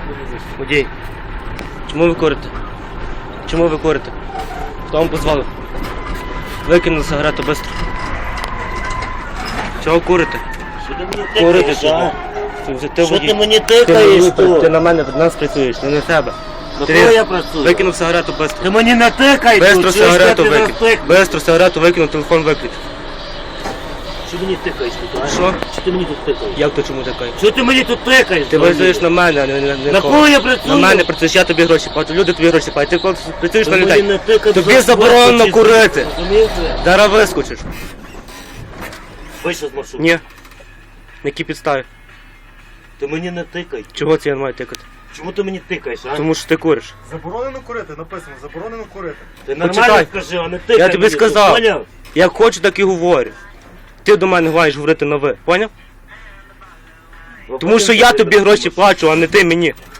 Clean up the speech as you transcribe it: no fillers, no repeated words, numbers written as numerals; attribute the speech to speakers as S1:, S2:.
S1: Водій, чому ви курите? Чому ви курите? Хто вам позволив? Викинули сигарету швидко. Чого курите?
S2: Що ти мені
S1: Курите
S2: тикаєш,
S1: чого?
S2: а? Що ти мені тикаєш тут?
S1: Ти на мене, на нас працюєш, не на себе.
S2: На кого я працюю?
S1: Викинув сигарету швидко.
S2: Ти мені не тикай
S1: Бистро
S2: тут,
S1: сигарету
S2: ти
S1: викинув. Бистро сигарету викинув, телефон виключив.
S2: Що ти мені тикаєш тут, а?
S1: Що?
S2: Що ти мені тут тикаєш?
S1: Як то чому такий?
S2: Що ти мені тут тикаєш?
S1: Ти працюєш на мене, а не
S2: На кого я працюю?
S1: На мене працюєш, я тобі гроші плачу, люди тобі гроші платять. Ти коли працюєш
S2: Ти
S1: на
S2: мені
S1: людей.
S2: не тикай,
S1: Тобі
S2: за
S1: заборонено
S2: спорт,
S1: курити.
S2: Розумієш це?
S1: Зараз вискочиш.
S2: Вийшов з маршруту.
S1: Ні. На якій підставі?
S2: Ти мені не тикай.
S1: Чого це я не маю тикати?
S2: Чому ти мені тикаєш, а?
S1: Тому що ти куриш.
S3: Заборонено курити, написано, заборонено курити.
S2: Ти нормально
S1: Почитай.
S2: скажи, а не тикай.
S1: Я тобі
S2: мені тут,
S1: сказав.
S2: поняв?
S1: Як хочу, так і говорю. Ти до мене маєш говорити на ви, поняв? Тому що я тобі гроші плачу, а не ти мені.